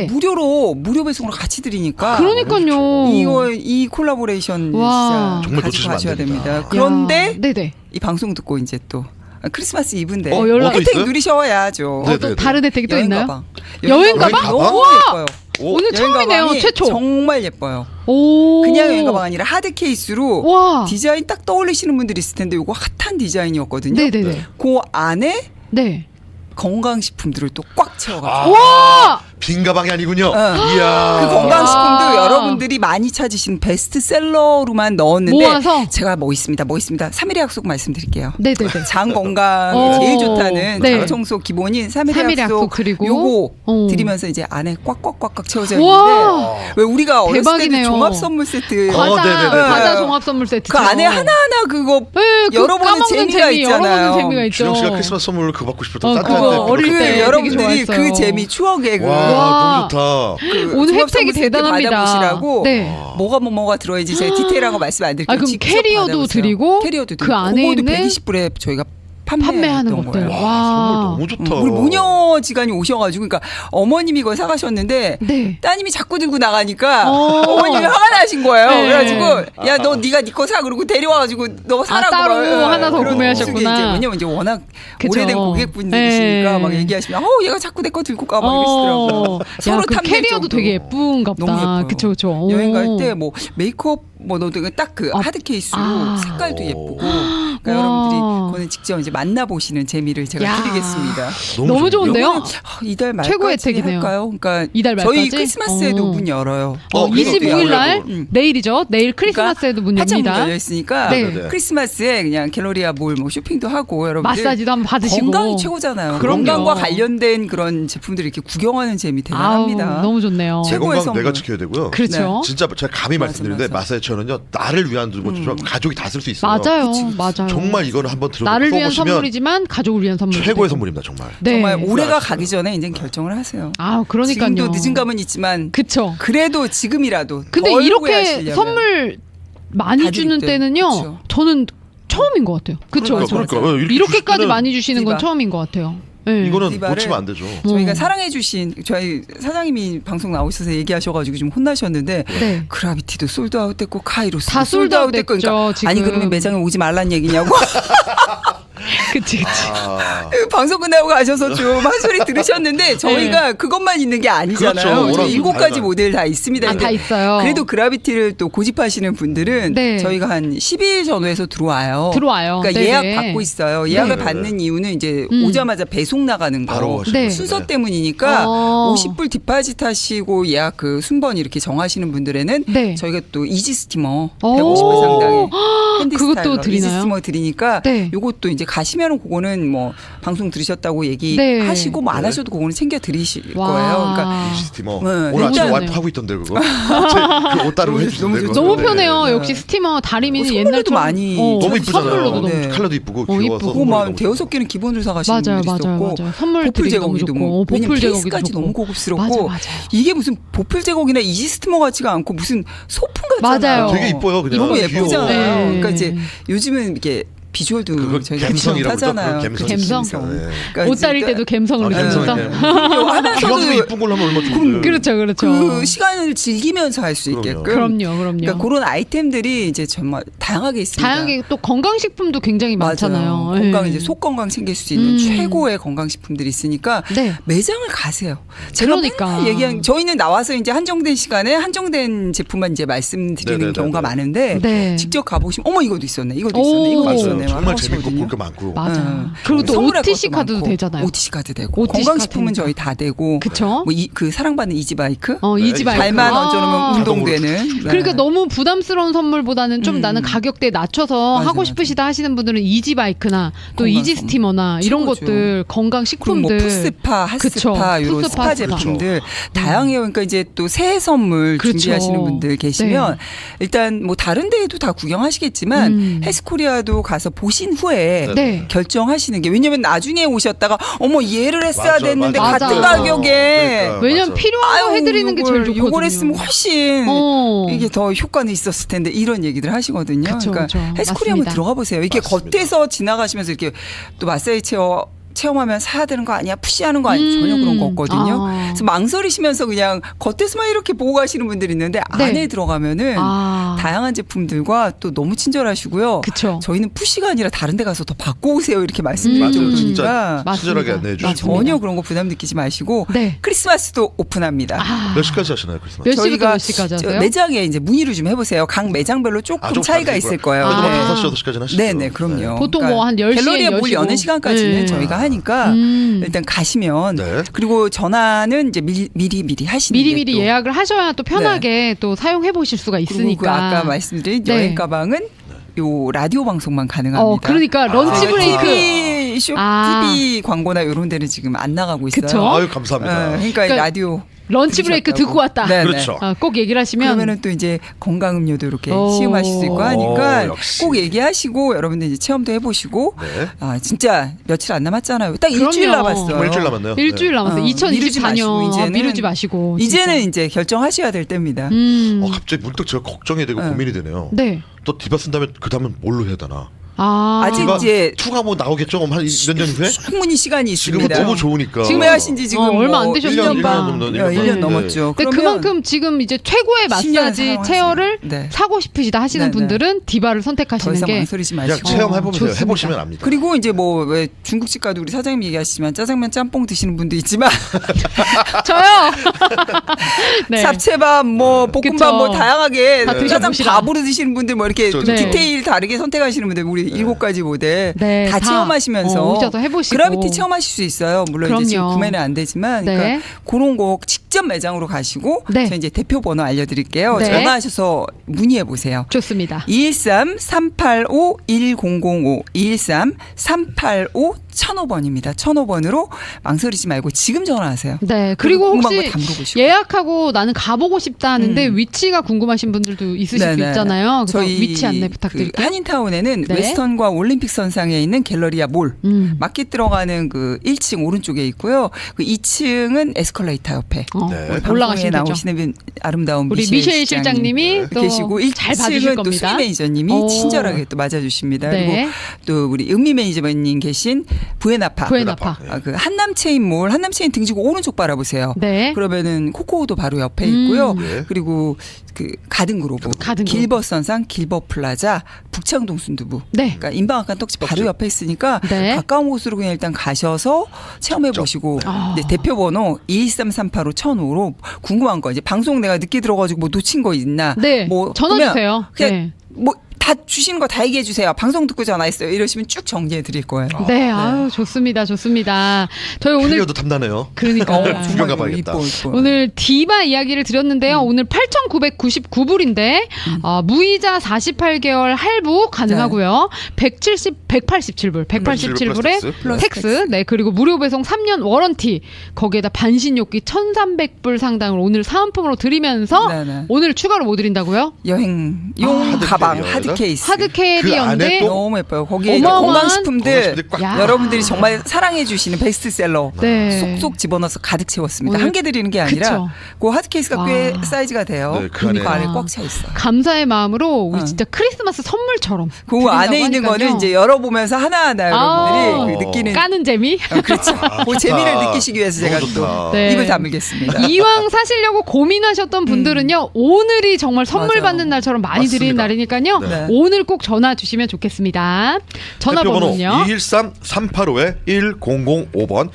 S2: 무료 배송으로 같이 드리니까
S1: 그러니까요.
S2: 이 콜라보레이션
S1: 와.
S2: 진짜
S3: 정말
S2: 가지고
S3: 놓치시면 안
S2: 가셔야
S3: 됩니다.
S2: 됩니다. 그런데
S1: 네네.
S2: 이 방송 듣고 이제 또 크리스마스 이브인데
S1: 연락
S3: 또
S2: 혜택
S3: 있어요?
S2: 누리셔야죠.
S3: 네,
S1: 또
S3: 네,
S1: 다른 혜택이 또
S2: 여행
S1: 있나요?
S2: 가방.
S1: 여행 가방?
S2: 너무
S1: 우와!
S2: 예뻐요.
S1: 오늘
S2: 여행
S1: 처음이네요.
S2: 가방이
S1: 최초.
S2: 정말 예뻐요.
S1: 오.
S2: 그냥 여행 가방 아니라 하드 케이스로
S1: 와.
S2: 디자인 딱 떠올리시는 분들이 있을 텐데 이거 핫한 디자인이었거든요.
S1: 네네네.
S2: 그 안에
S1: 네.
S2: 건강식품들을 또 꽉 채워가지고.
S3: 아,
S1: 와.
S3: 빈 가방이 아니군요.
S2: 어.
S3: 이야.
S2: 그 건강식품도
S1: 아.
S2: 여러분들이 많이 찾으신 베스트셀러로만 넣었는데
S1: 모아서?
S2: 제가 뭐 있습니다. 3일의 약속 말씀드릴게요.
S1: 네네네.
S2: 장 건강이
S1: 어.
S2: 제일 좋다는
S1: 네.
S2: 장 청소 기본인 3일의
S1: 3일의
S2: 약속,
S1: 약속 그리고
S2: 요거
S1: 어.
S2: 드리면서 이제 안에 꽉꽉꽉꽉 채워져
S1: 와.
S2: 있는데 왜 우리가 어렸을 때도
S1: 대박이네요.
S2: 종합 선물 세트
S1: 과자,
S3: 네네네.
S1: 과자 종합 선물 세트.
S2: 그 안에 하나하나 그거
S1: 네, 그
S2: 열어보는
S1: 까먹는
S2: 재미가
S1: 재미,
S2: 있잖아요.
S1: 열어보는 재미가 있죠.
S3: 준영 씨가 크리스마스 선물을 그거 받고 싶었던
S1: 그거
S3: 산타한테
S1: 어릴
S2: 그
S1: 때 되게
S2: 여러분들이
S1: 좋아했어요.
S2: 그 재미 추억의 그
S3: 와, 너무 좋다.
S2: 그
S1: 오늘
S2: 종합
S1: 혜택이
S2: 선물 세트
S1: 대단합니다.
S2: 받아보시라고
S1: 네.
S2: 뭐가 들어야지 제가 디테일한 거 말씀 안 드릴게요.
S1: 아, 그럼
S2: 직접
S1: 캐리어도
S2: 받아보세요.
S1: 드리고
S2: 캐리어도
S1: 그
S2: 드리고
S1: 안에
S2: 그거도
S1: 있는
S2: 120불에 저희가
S1: 판매하는
S2: 판매했던
S1: 것들.
S2: 거예요.
S1: 와.
S3: 선물 너무 좋다.
S2: 우리 모녀지간이 오셔가지고 그러니까 어머님이 이걸 사가셨는데
S1: 네.
S2: 따님이 자꾸 들고 나가니까
S1: 어.
S2: 어머님이 화가 나신 거예요.
S1: 네.
S2: 그래가지고 야 너 네가 네 거 사 그러고 데려와가지고 너 사라고
S1: 따로
S2: 막,
S1: 하나 더
S2: 그런
S1: 구매하셨구나.
S2: 식의 이제 왜냐면 이제 워낙
S1: 그쵸.
S2: 오래된 고객분들이시니까
S1: 네.
S2: 막 얘기하시면 얘가 자꾸 내 거 들고 가 막 이러시더라고요.
S1: 야, 그
S2: 탐낼
S1: 캐리어도
S2: 정도로.
S1: 되게 예쁜가 보다.
S2: 너무 예뻐요.
S1: 그쵸, 그쵸.
S2: 여행 갈
S1: 오.
S2: 때 뭐 메이크업 뭐 넣어도 딱 그
S1: 아.
S2: 하드 케이스로
S1: 아.
S2: 색깔도 예쁘고
S1: 와.
S2: 그러니까 여러분들이 그거는 직접 이제 만나보시는 재미를 제가
S1: 야.
S2: 드리겠습니다.
S1: 너무 좋은데요?
S2: 요거는 이달 말까지
S1: 최고 혜택이네요.
S2: 할까요? 그러니까
S1: 이달 말까지?
S2: 저희 크리스마스에도 문 열어요.
S1: 25일 날
S2: 음.
S1: 내일이죠. 내일 크리스마스에도 문
S2: 한참
S1: 엽니다.
S2: 열려 있으니까
S1: 네.
S3: 네.
S2: 크리스마스에 그냥 갤러리아 몰 뭐 쇼핑도 하고 여러분들
S1: 마사지도 한번 받으시고.
S2: 건강이 최고잖아요.
S1: 그럼요.
S2: 건강과 관련된 그런 제품들을 이렇게 구경하는 재미 대단합니다.
S1: 아우, 너무 좋네요.
S3: 제
S2: 최고의
S3: 건강 내가
S2: 선물.
S3: 지켜야 되고요.
S1: 그렇죠.
S3: 진짜 제가 감히
S2: 맞아,
S3: 말씀드리는데
S2: 맞아.
S3: 마사지 체어는요 나를 위한 것처럼 가족이 다 쓸 수 있어요.
S1: 맞아요.
S2: 그치, 그치.
S1: 맞아요.
S3: 정말 이거는 한번 들어
S1: 나를 위한
S3: 써보시면
S1: 선물이지만 가족을 위한 선물.
S3: 최고의 선물입니다 정말.
S1: 네.
S2: 정말 올해가
S3: 맞습니다.
S2: 가기 전에 이제 결정을 하세요.
S1: 아, 그러니까요.
S2: 지금도 늦은 감은 있지만
S1: 그쵸.
S2: 그래도 지금이라도
S1: 근데
S2: 덜
S1: 이렇게
S2: 후회하시려면.
S1: 선물 많이
S2: 다
S1: 주는
S2: 드릴 때.
S1: 때는요.
S2: 그쵸.
S1: 저는 처음인 것 같아요. 그쵸.
S3: 그러니까
S1: 이렇게까지
S3: 주시면은
S1: 많이 주시는 건
S2: 디바.
S1: 처음인 것 같아요. 네.
S3: 이거는
S2: 디바를
S3: 놓치면 안 되죠.
S2: 저희가 사랑해주신 저희 사장님이 방송 나오셔서 얘기하셔가지고 좀 혼나셨는데
S1: 네.
S2: 그라비티도 솔드아웃 됐고 카이로스도
S1: 다
S2: 솔드아웃 됐고
S1: 솔드아웃 됐죠, 지금.
S2: 아니 그러면 매장에 오지 말란 얘기냐고
S1: 그치, 그치.
S3: 아,
S2: 방송 끝나고 가셔서 좀 한 소리 들으셨는데 저희가 그것만 있는 게 아니잖아요.
S3: 그렇죠.
S2: 저희
S3: 워낙
S2: 7가지
S3: 다양한-
S2: 모델 다 있습니다.
S1: 아,
S2: 근데
S1: 다 있어요.
S2: 그래도 그라비티를 또 고집하시는 분들은
S1: 네.
S2: 저희가 한 12일 전후에서 들어와요.
S1: 들어와요.
S2: 그러니까
S1: 네네.
S2: 예약 받고 있어요. 예약을
S3: 네.
S2: 받는 이유는 이제
S1: 음.
S2: 오자마자 배송 나가는 거.
S3: 바로 하시는
S1: 네.
S3: 거예요.
S2: 순서 때문이니까
S1: 어.
S2: 50불 디파짓 하시고 예약 그 순번 이렇게 정하시는 분들에는
S1: 네.
S2: 저희가 또 이지 스티머
S1: 오.
S2: 150불 상당의 핸디
S1: 그것도
S2: 스타일러 이지
S1: 드리나요?
S2: 스티머 드리니까
S1: 네.
S2: 요것도 이제 가시면은 그거는 뭐 방송 들으셨다고
S1: 네.
S2: 얘기하시고 뭐 안
S3: 네.
S2: 하셔도 그거는 챙겨 드리실
S1: 와.
S2: 거예요. 그러니까
S3: 스티머
S2: 네.
S3: 오늘 아침에
S1: 너무
S3: 와이프
S1: 좋네요.
S3: 하고 있던데 그거. 그옷 따르고
S2: 너무
S3: 해주는데
S2: 좋죠.
S3: 그거.
S1: 너무
S3: 네.
S1: 편해요.
S2: 네.
S1: 역시 스티머 다리미는
S2: 선물로도
S1: 옛날처럼
S2: 많이
S3: 너무 이쁘잖아요.
S1: 선물로도 너무
S2: 네.
S1: 좋고.
S3: 컬러도 이쁘고
S1: 이쁘고.
S3: 귀여워서
S2: 그거
S3: 선물이
S2: 막
S3: 너무
S2: 대여섯 개는 기본으로 사가시는
S1: 맞아요,
S2: 분들이
S1: 맞아요,
S2: 있었고
S1: 맞아요. 선물
S2: 보풀
S1: 드리기 너무
S2: 제거기도
S1: 좋고.
S2: 뭐 왜냐면
S1: 보풀 제거기도
S2: 케이스까지
S1: 좋고.
S2: 너무 고급스럽고
S1: 맞아, 맞아.
S2: 이게 무슨 보풀 제거기나 이지 스티머 같지가 않고 무슨 소품 같잖아요.
S1: 맞아요.
S3: 되게 이뻐요 그냥.
S2: 너무
S3: 귀여워.
S2: 예쁘잖아요.
S1: 네.
S2: 그러니까 이제 요즘은 이게 비주얼도
S3: 그거
S2: 저희가
S3: 갬성이라고
S2: 하잖아요.
S3: 그러죠.
S1: 갬성?
S3: 네.
S1: 옷 다릴 때도 감성을
S3: 갬성.
S1: 느끼면서.
S3: 기왕이면 이쁜 걸로 하면 얼마나 좋은데.
S1: 그렇죠, 그렇죠.
S2: 그 시간을 즐기면서 할 수
S3: 그럼요.
S2: 있게끔.
S1: 그럼요, 그럼요.
S2: 그러니까 그런 아이템들이 이제 정말 다양하게 있습니다.
S1: 다양하게 또 건강식품도 굉장히 많잖아요.
S2: 맞아요. 건강
S1: 예.
S2: 이제 속 건강 챙길 수 있는
S1: 음.
S2: 최고의 건강식품들이 있으니까
S1: 네.
S2: 매장을 가세요. 제가
S1: 그러니까.
S2: 맨날 얘기한 저희는 나와서 이제 한정된 시간에 한정된 제품만 이제 말씀드리는
S3: 네네네네.
S2: 경우가 많은데
S1: 네.
S2: 직접 가보시면 어머 이것도 있었네, 이것도
S1: 오.
S2: 있었네, 이것도
S3: 맞아요.
S2: 있었네.
S3: 정말 재밌고
S2: 하시거든요.
S3: 볼 게 많고.
S1: 맞아.
S2: 응.
S1: 그리고 또
S2: 선물할
S1: OTC
S2: 것도
S1: 카드도
S2: 많고.
S1: 되잖아요.
S2: OTC 카드 되고
S1: OTC
S2: 건강식품은
S1: 카드니까.
S2: 저희 다 되고.
S1: 그쵸?
S2: 뭐 그 사랑받는 이지바이크.
S1: 이지바이크.
S2: 발만
S1: 아.
S2: 얹어놓으면 운동되는. 네.
S1: 그러니까 너무 부담스러운 선물보다는 좀 나는 가격대 낮춰서
S2: 맞아,
S1: 하고 싶으시다 하시는 분들은 이지바이크나 또
S2: 건강
S1: 이지스티머나 이런
S2: 최고죠.
S1: 것들 건강
S2: 그리고 뭐
S1: 식품들.
S2: 푸스파,
S1: 그쵸.
S2: 핫스파 이런
S1: 푸스파,
S2: 스파
S1: 핫스파.
S2: 제품들 다양해요. 그러니까 이제 또 새해 선물
S1: 그렇죠.
S2: 준비하시는 분들 계시면
S1: 네.
S2: 일단 뭐 다른 데에도 다 구경하시겠지만
S1: 음.
S2: 헬스코리아도 가서 보신 후에
S1: 네.
S2: 결정하시는 게 왜냐면 나중에 오셨다가 어머 얘를 했어야
S3: 맞아,
S2: 됐는데
S1: 맞아.
S2: 같은
S1: 맞아.
S2: 가격에
S3: 그러니까.
S1: 왜냐면
S3: 맞아.
S1: 필요한 거 해드리는 게 제일 좋거든요.
S2: 요걸 했으면 훨씬
S1: 어.
S2: 이게 더 효과는 있었을 텐데 이런 얘기들 하시거든요.
S1: 그쵸,
S2: 그러니까
S1: 그쵸.
S2: 헬스코리아 한번
S1: 맞습니다.
S2: 들어가 보세요. 이게
S3: 맞습니다.
S2: 겉에서 지나가시면서 이렇게 또 마사지 체험하면 사야 되는 거 아니야? 푸시하는 거 아니야? 전혀 그런 거 없거든요.
S1: 아.
S2: 그래서 망설이시면서 그냥 겉에서만 이렇게 보고 가시는 분들이 있는데
S1: 네.
S2: 안에 들어가면은
S1: 아.
S2: 다양한 제품들과 또 너무 친절하시고요.
S1: 그쵸.
S2: 저희는 푸시가 아니라 다른 데 가서 더 받고 오세요 이렇게 말씀드릴
S1: 맞아요.
S2: 정도니까
S3: 진짜
S1: 맞습니다.
S3: 친절하게 안내해 주시고.
S1: 맞습니다.
S2: 전혀 그런 거 부담 느끼지 마시고
S1: 네.
S2: 크리스마스도 오픈합니다.
S1: 아.
S3: 몇 시까지 하시나요 크리스마스?
S1: 몇 시부터
S2: 저희가
S1: 몇 시까지
S2: 저
S1: 하세요?
S2: 매장에 이제 문의를 좀 해보세요. 각 매장별로 조금
S3: 좀
S2: 차이가
S3: 다르실
S2: 있을 거예요.
S1: 아.
S2: 네.
S3: 5시 6시까지는 하시죠.
S2: 네네, 그럼요.
S1: 보통 뭐 한 10시에
S2: 갤러리에 물
S1: 여시고.
S2: 여는 시간까지는
S1: 네.
S2: 저희가 하니까 일단 가시면
S3: 네.
S2: 그리고 전화는 이제 미리 하시는
S1: 미리미리
S2: 게 또.
S1: 예약을 하셔야 또 편하게 또 사용해 보실 수가
S2: 그리고
S1: 있으니까.
S2: 그 아까 말씀드린
S1: 네.
S2: 여행 가방은 요 라디오 방송만 가능합니다.
S1: 그러니까 런치
S3: 아,
S1: 브레이크.
S2: TV
S1: 아.
S2: TV 광고나 이런 데는 지금 안 나가고 있어요.
S1: 그쵸?
S3: 아유 감사합니다.
S2: 그러니까,
S1: 그러니까
S2: 라디오
S1: 런치 브레이크
S2: 들으셨다고.
S1: 듣고 왔다.
S2: 네,
S3: 그렇죠.
S1: 꼭 얘기를 하시면
S2: 그러면은 또 이제 건강 음료도 이렇게
S1: 오.
S2: 시음하실 수 있고 하니까
S3: 역시.
S2: 꼭 얘기하시고 여러분들 이제 체험도 해보시고
S3: 네.
S2: 아 진짜 며칠 안 남았잖아요. 딱
S1: 그럼요.
S2: 일주일 남았어요.
S3: 정말 일주일 남았네요.
S1: 일주일 남았어요.
S2: 미루지 마시고
S1: 2024년
S2: 이제는
S1: 미루지 마시고. 진짜.
S2: 이제는 이제 결정하셔야 될 때입니다.
S3: 갑자기 문득 제가 걱정이 되고
S1: 네.
S3: 고민이 되네요.
S1: 네.
S3: 또 디바 쓴 다음에 그 다음은 뭘로 해야 되나?
S2: 아직
S3: 디바
S2: 이제
S3: 2가 뭐 나오겠죠? 한 몇 년 후에?
S2: 충분히 시간이
S3: 지금은
S2: 있습니다.
S3: 너무 좋으니까.
S2: 지금 하신 지 지금
S1: 얼마 안
S2: 뭐
S1: 되셨으니까.
S2: 1년 반,
S3: 1년
S2: 1년
S3: 네.
S2: 넘었죠.
S1: 근데 그만큼 지금 이제 최고의
S2: 10년
S1: 마사지
S2: 사용하세요.
S1: 체어를
S2: 네.
S1: 사고 싶으시다 하시는
S2: 네, 네.
S1: 분들은 디바를
S2: 더
S1: 선택하시는
S2: 이상
S1: 게
S2: 망설이지
S3: 그냥
S2: 마시고.
S3: 체험해보세요.
S1: 좋습니다.
S3: 해보시면 압니다.
S2: 그리고 이제 뭐 왜 중국집 가도 우리 사장님 얘기하시지만 짜장면 짬뽕 드시는 분도 있지만
S1: 저요. 네.
S2: 잡채밥 뭐 볶음밥
S1: 그쵸.
S2: 뭐 다양하게
S1: 다
S2: 짜장
S1: 드셔보시라.
S2: 밥으로 드시는 분들 뭐 이렇게
S3: 그쵸,
S2: 좀
S1: 그쵸.
S2: 디테일 다르게 선택하시는 분들 우리 7가지 모델
S1: 네,
S2: 다 체험하시면서
S1: 오셔서 해보시고.
S2: 그라비티 체험하실 수 있어요. 물론 이제 지금
S1: 그럼요.
S2: 구매는 안 되지만
S1: 네.
S2: 그러니까 그런 거 직접 매장으로 가시고
S1: 네.
S2: 저희 이제 대표 번호 알려드릴게요.
S1: 네.
S2: 전화하셔서 문의해 보세요.
S1: 좋습니다.
S2: 213-385-1005 213-385-1005번입니다. 1005번으로 망설이지 말고 지금 전화하세요.
S1: 네. 그리고
S2: 궁금한
S1: 혹시
S2: 거다 물어보시고.
S1: 예약하고 나는 가보고 싶다 하는데 위치가 궁금하신 분들도 있으실 수
S2: 네네.
S1: 있잖아요. 그래서
S2: 저희
S1: 위치 안내
S2: 그
S1: 부탁드릴게요.
S2: 한인타운에는
S1: 네.
S2: 웨스턴과 올림픽 선상에 있는 갤러리아 몰 마켓 들어가는 그 1층 오른쪽에 있고요. 그 2층은 에스컬레이터 옆에
S3: 네.
S2: 방송에
S1: 올라가시면 되죠.
S2: 나오시는 아름다운
S1: 우리 미셸 실장님이 또
S2: 계시고
S1: 잘 봐주실
S2: 1층은 또
S1: 겁니다.
S2: 수미 매니저님이
S1: 오.
S2: 친절하게 또 맞아주십니다.
S1: 네.
S2: 그리고 또 우리 은미 매니저님 계신 부에나파.
S1: 부에나파.
S2: 그 한남체인몰 한남체인 등지고 오른쪽 바라보세요.
S1: 네.
S2: 그러면은 코코오도 바로 옆에 있고요.
S3: 네.
S2: 그리고 그 가든그로브,
S1: 가든그로브.
S2: 길버선상, 길버플라자, 북창동 순두부.
S1: 네.
S2: 그러니까 인방학관 떡집 바로 옆에 있으니까
S1: 네.
S2: 가까운 곳으로 그냥 일단 가셔서 체험해 보시고
S1: 아.
S2: 대표 번호 213-385-1005로 궁금한 거 이제 방송 내가 늦게 들어가지고 뭐 놓친 거 있나?
S1: 네.
S2: 뭐
S1: 전화
S2: 그러면
S1: 주세요.
S2: 그냥
S1: 네.
S2: 뭐 다 주시는 거 다 얘기해 주세요. 방송 듣고 전화했어요. 이러시면 쭉 정리해 드릴 거예요.
S1: 네, 아유 좋습니다, 좋습니다. 저희 오늘
S3: 캐리어도 탐나네요.
S1: 그러니까
S3: 구경 가봐야겠다.
S2: 이뻐.
S1: 오늘 디바 이야기를 드렸는데요. 오늘 8,999불인데 무이자 48개월 할부 가능하고요. 187불, 187불에
S3: 플러스
S1: 텍스. 네, 그리고 무료 배송 3년 워런티. 거기에다 반신욕기 1,300불 상당을 오늘 사은품으로 드리면서
S2: 네네.
S1: 오늘 추가로 뭐 드린다고요?
S2: 여행용
S3: 하드
S2: 가방,
S3: 캐리어에다?
S2: 하드 케이스.
S1: 하드
S3: 그 안에
S1: 캐리어인데
S3: 또
S2: 너무 예뻐요. 거기에
S1: 어마어마한
S2: 건강식품들
S3: 건강식품들이 꽉
S1: 야.
S2: 여러분들이 정말 사랑해 주시는 베스트셀러
S1: 네.
S2: 쏙쏙 집어넣어서 가득 채웠습니다.
S1: 오늘
S2: 한 개 드리는 게 아니라
S1: 그쵸.
S2: 그 하드 케이스가 꽤
S1: 와.
S2: 사이즈가 돼요.
S3: 네, 그 안에.
S2: 그 안에 꽉 차 있어요.
S1: 감사의 마음으로 우리
S2: 어.
S1: 진짜 크리스마스 선물처럼
S2: 그
S1: 드린다고
S2: 안에 있는
S1: 하니까요.
S2: 거는 이제 열어보면서 하나하나 여러분들이 그 느끼는
S1: 까는 재미?
S2: 그렇죠. 그 재미를 느끼시기 위해서 제가
S3: 너무
S2: 또
S3: 좋다.
S1: 네.
S2: 입을 다물겠습니다.
S1: 이왕 사시려고 고민하셨던 분들은요, 오늘이 정말 선물
S2: 맞아요.
S1: 받는 날처럼 많이 드리는
S3: 맞습니다.
S1: 날이니까요,
S2: 네.
S1: 오늘 꼭 전화 주시면 좋겠습니다. 전화번호는요.
S3: 213-385-1005번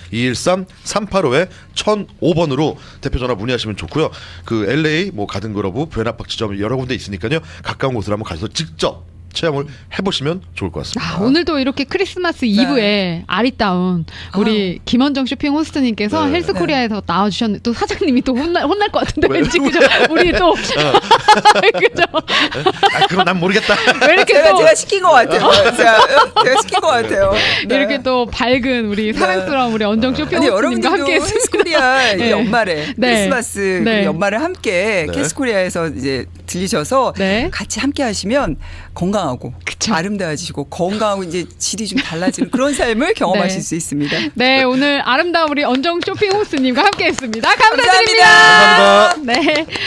S3: 213-385-1005번으로 대표 전화 문의하시면 좋고요. 그 LA 뭐 가든그로브 부에나팍 지점 여러 군데 있으니까요. 가까운 곳을 한번 가셔서 직접 체험을 해보시면 좋을 것 같습니다.
S1: 오늘도 이렇게 크리스마스 이브에 아리따운 우리 김원정 쇼핑 호스트님께서
S3: 네.
S1: 헬스코리아에서 나와주셨는데 또 사장님이 또 혼날 것 같은데 왠지 그죠? 우리 또 그죠?
S3: 아, 그건 난 모르겠다.
S1: 왜 이렇게 또
S2: 제가 시킨 것 같아요. 제가 시킨 것 같아요. 네.
S1: 이렇게 또 밝은 우리 사랑스러운 우리 언정 쇼핑
S2: 아니
S1: 호스트님과
S2: 여러분들도
S1: 함께 했습니다.
S2: 캐스코리아
S1: 네.
S2: 이 연말에
S1: 네.
S2: 크리스마스
S1: 네.
S2: 그 연말을 함께
S3: 네.
S2: 캐스코리아에서 이제 들리셔서
S1: 네.
S2: 같이 함께 하시면 건강하고
S1: 그쵸.
S2: 아름다워지시고 건강하고 이제 질이 좀 달라지는 그런 삶을 경험하실
S1: 네.
S2: 수 있습니다.
S1: 네, 오늘 아름다운 우리 언정 쇼핑 호스트님과 함께 했습니다. 감사드립니다.
S3: 감사합니다.
S1: 네.